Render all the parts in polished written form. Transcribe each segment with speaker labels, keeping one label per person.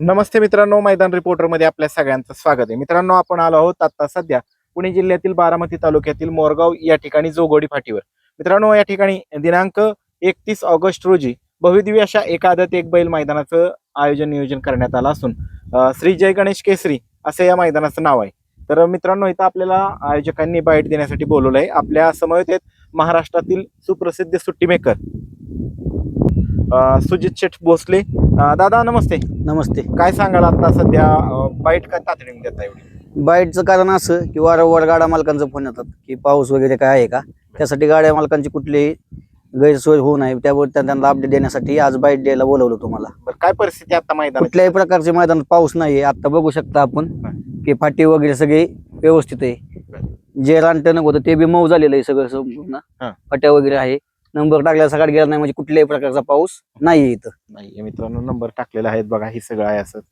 Speaker 1: नमस्ते मित्रांनो, मैदान रिपोर्टर मध्ये आपल्या सगळ्यांचं स्वागत आहे. मित्रांनो, आपण आलो आहोत आता सध्या पुणे जिल्ह्यातील बारामती तालुक्यातील मोरगाव या ठिकाणी जोगोडी फाटीवर. मित्रांनो, या ठिकाणी दिनांक 31 ऑगस्ट रोजी भव्यदिव्य अशा एक आदत एक बैल मैदानाचं नियोजन करण्यात आलं असून श्री जय गणेश केसरी असं या मैदानाचं नाव आहे. तर मित्रांनो, इथं आपल्याला आयोजकांनी बाईट देण्यासाठी बोलवलं आहे. आपल्या समवेत आहेत महाराष्ट्रातील सुप्रसिद्ध सुट्टी मेकर सुजित शेठ भोसले. दादा नमस्ते.
Speaker 2: नमस्ते.
Speaker 1: काय सांगाल आता सध्या बाईट काय तातडीने देता एवढी?
Speaker 2: बाईटचं कारण असं की वारंवार गाड्या मालकांचा फोन येतात की पाऊस वगैरे काय आहे का, त्यासाठी गाड्या मालकांची कुठलीही गैरसोय होऊ नये त्यावर त्यांना अपडेट देण्यासाठी आज बाईट द्यायला बोलवलं तुम्हाला.
Speaker 1: बरं, काय परिस्थिती आता मैदान?
Speaker 2: कुठल्याही प्रकारचे मैदानात पाऊस नाहीये. आता बघू शकता आपण की फाटी वगैरे सगळे व्यवस्थित आहे. जे रानटणक होतं ते बी मऊ झालेलं आहे सगळं संपूर्ण. फाट्या वगैरे आहे. नंबर टाकल्या सकाळी गेला नाही म्हणजे कुठल्याही प्रकारचा पाऊस नाहीये इथं.
Speaker 1: नाही मित्रांनो, नंबर टाकलेला आहेत बघा, हे सगळं आहे असं.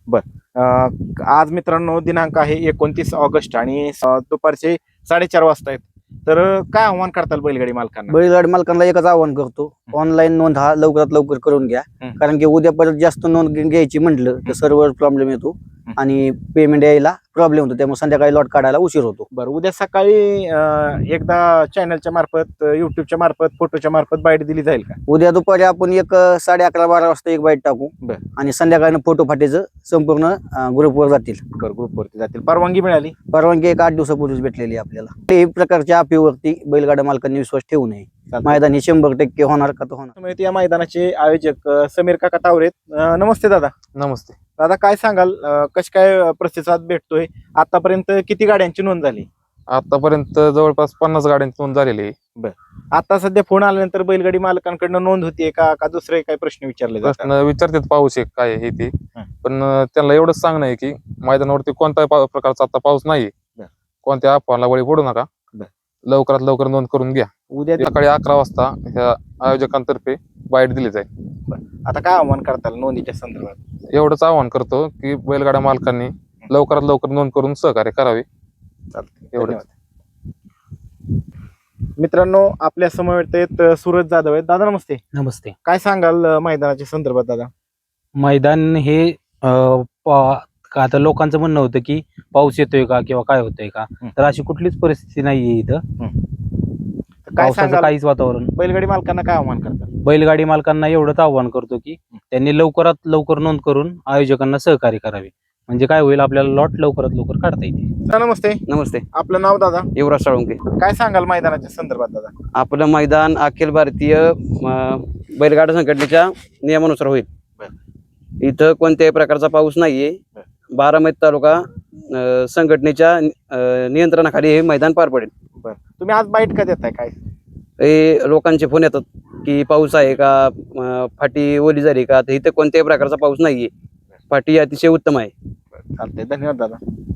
Speaker 1: आज मित्रांनो दिनांक आहे 29 ऑगस्ट आणि दुपारचे 4:30 वाजता आहेत. तर काय आव्हान करताल बैलगाडी मालकांना?
Speaker 2: बैलगाडी मालकांना एकच आवाहन करतो, ऑनलाईन नोंद हा लवकरात लवकर करून घ्या. कारण की उद्या परत जास्त नोंद घ्यायची म्हटलं तर सर्व्हर प्रॉब्लेम येतो आणि पेमेंट यायला प्रॉब्लेम होतो, त्यामुळे संध्याकाळी लॉट काढायला उशीर होतो.
Speaker 1: बरं, उद्या सकाळी एकदा चॅनलच्या मार्फत, युट्यूबच्या मार्फत, फोटोच्या मार्फत बाईट दिली जाईल का?
Speaker 2: उद्या दुपारी आपण 11:30-12 वाजता एक बाईट टाकू आणि संध्याकाळी फोटो फाटीचं संपूर्ण ग्रुपवर जातील.
Speaker 1: बरं, ग्रुपवरती जातील. परवानगी मिळाली?
Speaker 2: परवानगी 1 8 दिवसापूर्वीच भेटलेली आपल्याला. कुठल्याही प्रकारच्या अफीवरती बैलगाड्या मालकांनी विश्वास ठेवू नये. मैदान हे 100% होणार का तर होणार.
Speaker 1: या मैदानाचे आयोजक समीर काका तावरे. नमस्ते दादा.
Speaker 3: नमस्ते
Speaker 1: दादा, काय सांगाल कशी काय प्रतिसाद भेटतोय? आतापर्यंत किती गाड्यांची नोंद झाली?
Speaker 3: आतापर्यंत जवळपास 50 गाड्यांची नोंद झालेली आहे.
Speaker 1: आता सध्या फोन आल्यानंतर बैलगाडी मालकांकडनं नोंद होतीये का दुसरे काही प्रश्न विचारले जातात?
Speaker 3: प्रश्न विचारतात पाऊस आहे काय आहे ते, पण त्यांना एवढंच सांगणं आहे की मैदानावरती कोणत्याही प्रकारचा आता पाऊस नाही, कोणत्या अफवाला बळी पडू नका, लवकरात लवकर नोंद करून घ्या.
Speaker 1: उद्या
Speaker 3: सकाळी 11 वाजता ह्या आयोजकांतर्फे बाईट दिली जाईल.
Speaker 1: आता काय आव्हान करताल नोंदीच्या संदर्भात?
Speaker 3: एवढंच आवाहन करतो की बैलगाड्या मालकांनी लवकरात लवकर नोंद करून सहकार्य करावे. एवढंच.
Speaker 1: मित्रांनो, आपल्या समवेत आहेत सूरज जाधव आहेत. दादा नमस्ते.
Speaker 4: नमस्ते.
Speaker 1: काय सांगाल मैदानाच्या संदर्भात दादा?
Speaker 4: मैदान हे आता लोकांचं म्हणणं होतं की पाऊस येतोय का किंवा काय होतंय का, तर अशी कुठलीच परिस्थिती नाहीये इथं.
Speaker 1: काय
Speaker 4: पावसाचं
Speaker 1: सांगाल
Speaker 4: काहीच वातावरण.
Speaker 1: बैलगाडी मालकांना काय आव्हान करतात?
Speaker 4: बैलगाडी मालकांना एवढंच आव्हान करतो की त्यांनी लवकरात लवकर नोंद करून आयोजकांना सहकार्य करावे, म्हणजे काय होईल, आपल्याला लॉट लवकरात लवकर काढता येते.
Speaker 1: नमस्ते.
Speaker 2: नमस्ते.
Speaker 1: आपलं नाव दादा?
Speaker 2: युवराज साळुंके.
Speaker 1: काय सांगाल मैदानाच्या संदर्भात दादा?
Speaker 2: आपलं मैदान अखिल भारतीय बैलगाडा संघटनेच्या नियमानुसार होईल. इथं कोणत्याही प्रकारचा पाऊस नाहीये. बारामती तालुका संघटनेच्या नियंत्रणाखाली हे मैदान पार पडेल.
Speaker 1: तुम्ही आज बाईट का देताय? काय
Speaker 2: हे लोकांचे फोन येतात की पाऊस आहे का, फाटी ओली झाली का, तर इथं कोणत्याही प्रकारचा पाऊस नाहीये. फाटी अतिशय उत्तम आहे.
Speaker 1: चालतंय, धन्यवाद दादा.